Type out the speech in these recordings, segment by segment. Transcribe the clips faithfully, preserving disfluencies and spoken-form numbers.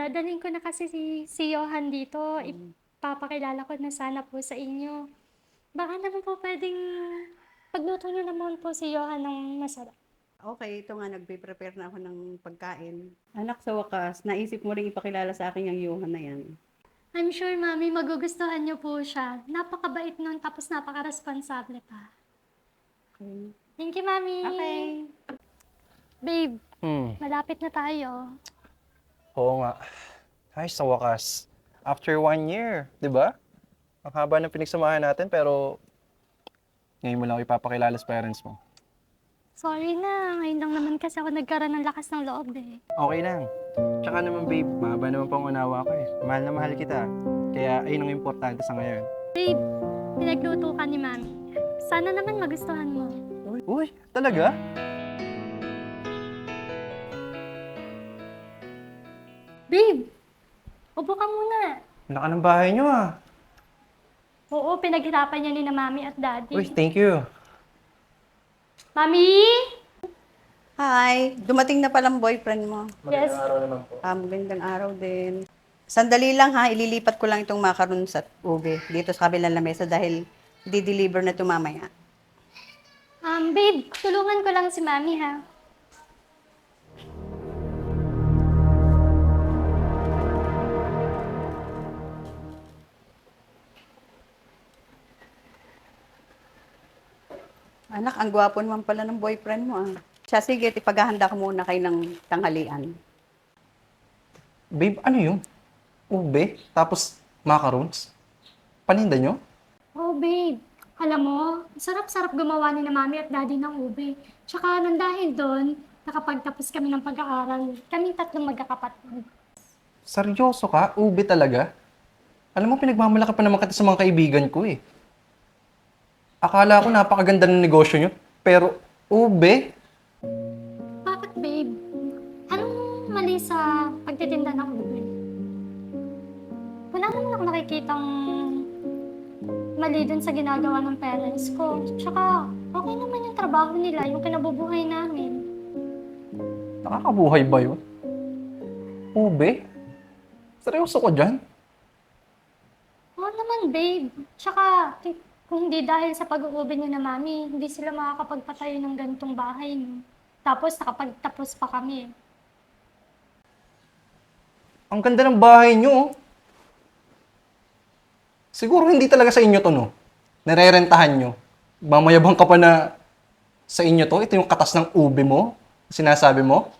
dadalhin ko na kasi si si Johan dito. Hmm. Ipapakilala ko na sana po sa inyo. Baka naman po puwedeng pagluto niyo naman po si Johan ng masarap. Okey, ito nga nagpe-prepare na ako ng pagkain. Anak, sa wakas naisip mo ring ipakilala sa akin yang Johan na 'yan. I'm sure mommy magugustuhan niyo po siya. Napakabait nun tapos napakaresponsable pa. Okey. Thank you, mommy. Okey. Babe, Hmm, malapit na tayo. oo nga. Ay, sa wakas. After one year, 'di ba? Ang haba ng pinagsamahan natin pero ngayon mo lang ako ipapakilala sa parents mo. Sorry na, ngayon lang naman kasi ako nagkaroon ng lakas ng loob eh. Okay lang. Tsaka naman babe, mahaba naman pang unawa ko eh. Mahal na mahal kita. Kaya ayun ang importante sa ngayon. Babe, pinagluto ka ni mami. Sana naman magustuhan mo. Uy, uy, talaga? Babe, upo ka muna. Laka ng bahay niyo ah. Oo, pinaghirapan niya ni na mami at daddy. Uy, thank you. Mami? Hi, dumating na palang boyfriend mo. Yes. araw naman po. Ah, magandang araw din. Sandali lang ha, ililipat ko lang itong macaron sa ube dito sa kabilang lamesa dahil di-deliver na ito mamaya. Um, babe, tulungan ko lang si mami ha. Anak, ang gwapo naman pala ng boyfriend mo ah. Siya, sige, ipaghahanda ko muna kayo ng tanghalian. Babe, ano yun? Ube? Tapos macarons? Paninda nyo? Oh, babe. Alam mo, sarap-sarap gumawa ni na mami at daddy ng ube. Tsaka nang dahil doon, nakapagtapos kami ng pag-aaral. Kaming tatlong magkakapatid. Seryoso ka? Ube talaga? Alam mo, pinagmamalaki pa naman kita sa mga kaibigan ko eh. Akala ko napakaganda ng negosyo nyo, pero ube? Bakit, babe? Anong mali sa pagtitinda ng ube? Wala naman ako nakikitang mali dun sa ginagawa ng parents ko. Tsaka, okay naman yung trabaho nila, yung kinabubuhay namin. Nakakabuhay ba yun? Ube? Seryoso ko dyan? Oo naman, babe. Tsaka, k- kung hindi dahil sa pag-uubi niyo na mami, hindi sila makakapagpatayo ng ganitong bahay. No? Tapos, nakapagtapos pa kami. Ang ganda ng bahay nyo, oh. Siguro hindi talaga sa inyo to, no? Narerentahan nyo. Mamayabang ka pa na sa inyo to. Ito yung katas ng ube mo. Sinasabi mo.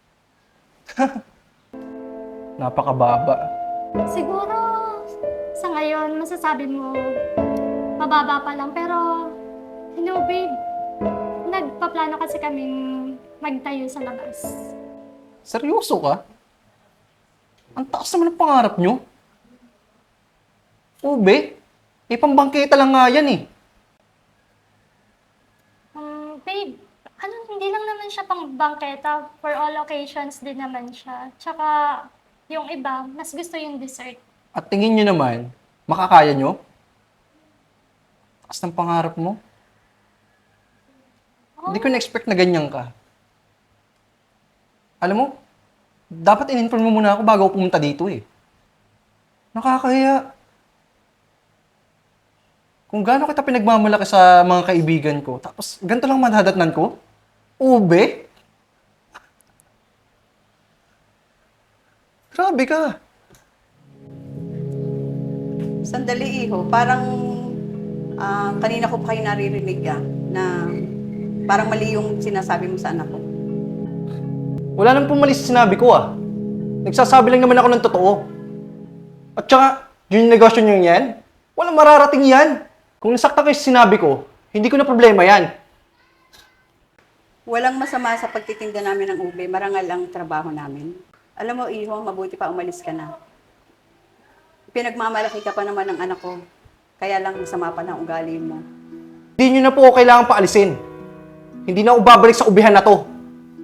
Napakababa. Siguro, sa ngayon, masasabi mo, mababa pa lang. Pero, you know, babe, nagpaplano kasi kaming magtayo sa labas. Seryoso ka? Ang taas naman ng pangarap nyo. Ube? Eh, pambangkita lang nga yan eh. Um, babe, ano, hindi lang naman siya pang bangketa. For all occasions din naman siya. Tsaka, yung iba, mas gusto yung dessert. At tingin nyo naman, makakaya nyo? Taas ng pangarap mo. Hindi ko na-expect na ganyan ka. Alam mo, dapat in-inform mo muna ako bago ako pumunta dito eh. Nakakahiya. Kung gaano kita pinagmamalaki sa mga kaibigan ko, tapos ganito lang madadatnan ko? Ube? Grabe ka. Sandali, iho. Parang ah, kanina ko pa kayo naririnig ah, na parang mali yung sinasabi mo sa anak ko. Wala nang pumalis sa sinabi ko ah. Nagsasabi lang naman ako ng totoo. At saka, yung negosyo nyo yan, walang mararating yan. Kung nasaktan kayo sa sinabi ko, hindi ko na problema yan. Walang masama sa pagtitinda namin ng ube, marangal ang trabaho namin. Alam mo, iho, mabuti pa umalis ka na. Pinagmamalaki ka pa naman ng anak ko, kaya lang masama pa ng ugali mo. Hindi nyo na po ako kailangan paalisin. Hindi na ako babalik sa ubihan na to.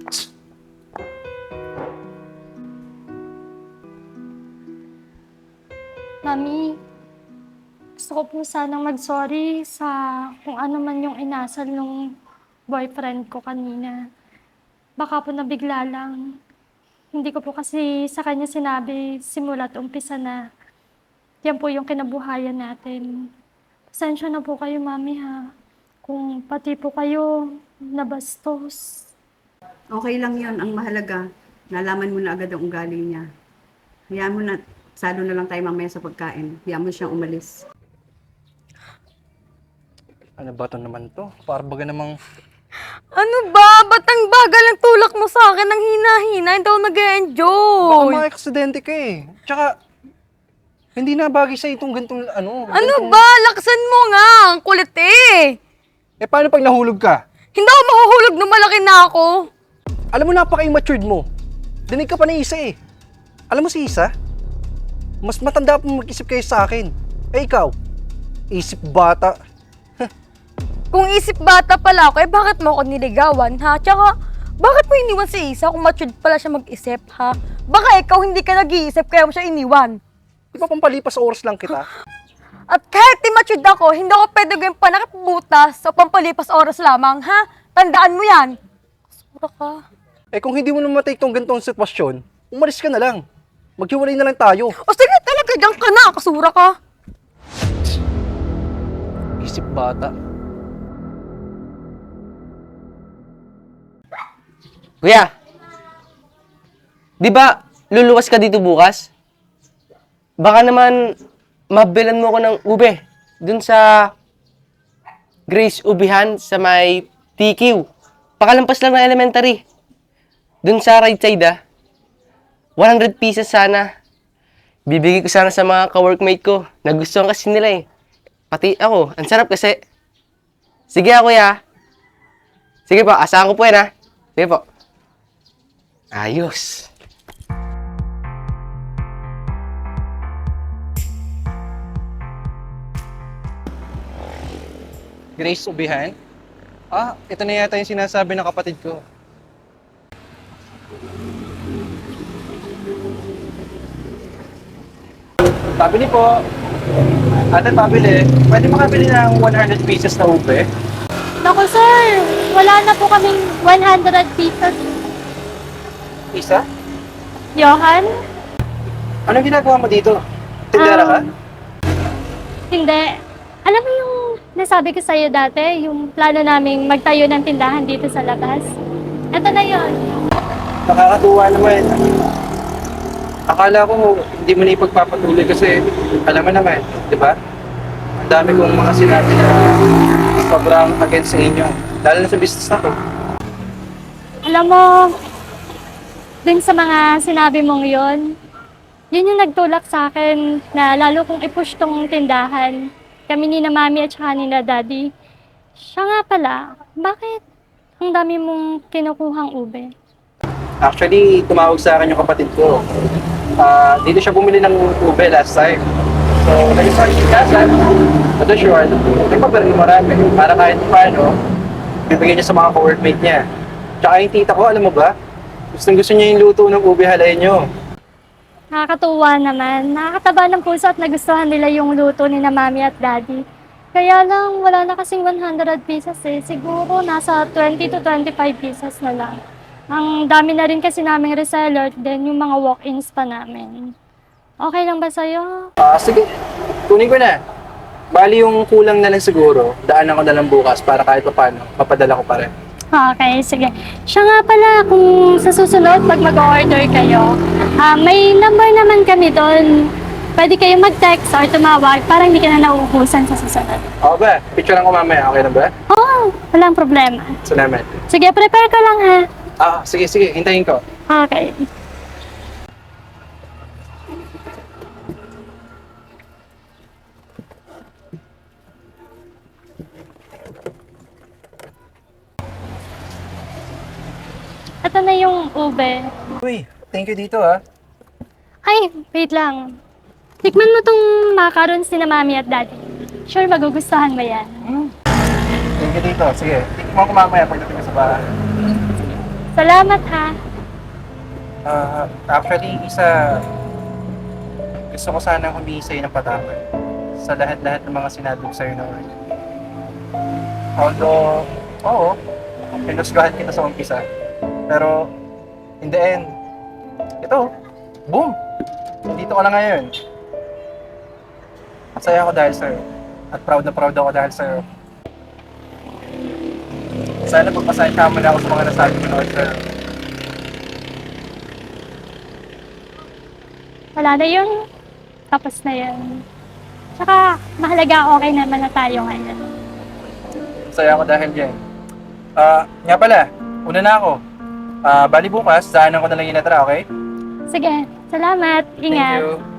Mami, gusto ko po sanang mag-sorry sa kung ano man yung inasal nung boyfriend ko kanina. Baka po nabigla lang. Hindi ko po kasi sa kanya sinabi simula't umpisa na yan po yung kinabuhayan natin. Pasensya na po kayo, Mami, ha. Kung pati po kayo nabastos. Okay lang yon, ang mahalaga. Nalaman mo na agad ang ugali niya. Hayaan mo na, salo na lang tayo mamaya sa pagkain. Hayaan mo siyang umalis. Ano ba to naman to? Para baga namang... Ano ba? Ba't ang bagal ang tulak mo sa akin? Ang hina-hina, hindi ako Baka nag-enjoy. mga-aksidente ka eh. Tsaka, hindi na bagay sa itong gantong ano. Ano gantong- ba? Laksan mo nga. Ang kulit eh. Eh paano pag nahulog ka? Hindi ako mahuhulog nung malaki na ako. Alam mo, napaka-immatured mo. Dinig ka pa ni Isa eh. Alam mo si Isa? Mas matanda pa mag-isip kayo sa akin. Eh ikaw, isip bata. Kung isip bata pala ako, eh bakit mo ako niligawan, ha? Tsaka, bakit mo iniwan si Isa kung matured pala siya mag-isip, ha? Baka ikaw hindi ka nag-iisip kaya mo siya iniwan. Di ba pampalipas oras lang kita? At kahit immature ako, hindi ako pwede gawin panakit butas sa pampalipas oras lamang, ha? Tandaan mo yan. Sura ka. Eh kung hindi mo na matake tong gantong sitwasyon, umalis ka na lang. Maghiwalay na lang tayo. O sige, talaga dyan ka na. Kasura ka. Isip bata. Kuya, di ba luluwas ka dito bukas? Baka naman mabilan mo ko ng ube dun sa Grace Ubihan sa may T Q. Pakalampas lang ng elementary. Dun sa right side ah. one hundred pieces sana. Bibigay ko sana sa mga ka-workmate ko. Nagustuhan kasi nila eh. Pati ako, ang sarap kasi. Sige ah, kuya. Sige po, asahan ko po yan ah. Sige po. Ayos. Grace Ubihan? Ah, ito na yata yung sinasabi ng kapatid ko. Pabili po. Ate, pabili. Pwede makabili ng one hundred pieces na ube? Naku, sir. Wala na po kaming one hundred pesos. Isa? Johan? Anong ginagawa mo dito? Tindera ka? Um, Hindi. Alam mo yung nasabi ko sa'yo dati, yung plano naming magtayo ng tindahan dito sa labas? Ito na yon. Nakakatuwa naman. Akala ko hindi mo na ipagpapatuloy kasi alam mo naman, di ba? Ang dami kong mga sinabi na sobrang against sa inyo. Lalo na sa business na to. Alam mo, dun sa mga sinabi mong yon, yun yung nagtulak sa akin na lalo kong i-push tong tindahan. Kami ni na mami at saka ni na daddy. Siya nga pala, bakit ang dami mong kinukuhang ube? Actually, tumawag sa akin yung kapatid ko. Ah, dito siya bumili ng ube last time. So, nag-start siya kasan. Ito sure, nagpaparin marami. Para kahit paano, bibigyan niya sa mga co-workmate niya. Tsaka yung tita ko, alam mo ba? Gustong gusto niya yung luto ng ube halay niyo. Nakakatuwa naman. Nakakataba ng puso at nagustuhan nila yung luto ni na mami at daddy. Kaya lang, wala na kasing one hundred pieces eh. Siguro nasa twenty to twenty-five pieces na lang. Ang dami na rin kasi naming reseller, then yung mga walk-ins pa namin. Okay lang ba sa'yo? Ah, sige. Kunin ko na. Bali yung kulang na lang siguro, daanan ko na lang bukas para kahit pa paano, mapadala ko pa rin. Okay, sige. Siya nga pala, kung sa susunod, pag mag-order kayo, ah, may number naman kami doon. Pwede kayo mag-text or tumawag para hindi ka na nauubusan sa susunod. Oo ba? Picture lang ko mamaya, okay na ba? Oo, walang problema. Salamat. Sige, prepare ka lang ha. Ah, sige, sige. Hintayin ko. Okay. Ito na yung ube. Uy, thank you dito ah. Ay, wait lang. Tikman mo tong macarons ni na mami at daddy. Sure, magugustuhan mo yan. Thank you dito. Sige, tingnan ko mamaya pagdating ko sa bahay. Salamat ha. Ah, actually, isa, gusto ko sanang humingi sa'yo ng patawad sa lahat-lahat ng mga sinabi ko sa'yo noon. Although, oo, pinusgahan kita sa umpisa. Pero, in the end, ito, boom! Dito ka na ngayon. Masaya ako dahil sa'yo. At proud na proud ako dahil sa'yo. Sana pagpasensya mo na ako sa mga nasabi ko noon sa'yo. Wala na yun. Tapos na yun. Tsaka, mahalaga okay naman na tayo ngayon. Masaya ako dahil dyan. Ah, nga pala, una na ako. Ah, bali bukas, daanan ko na lang yung natara, okay? Sige, salamat. Ingat. Thank you.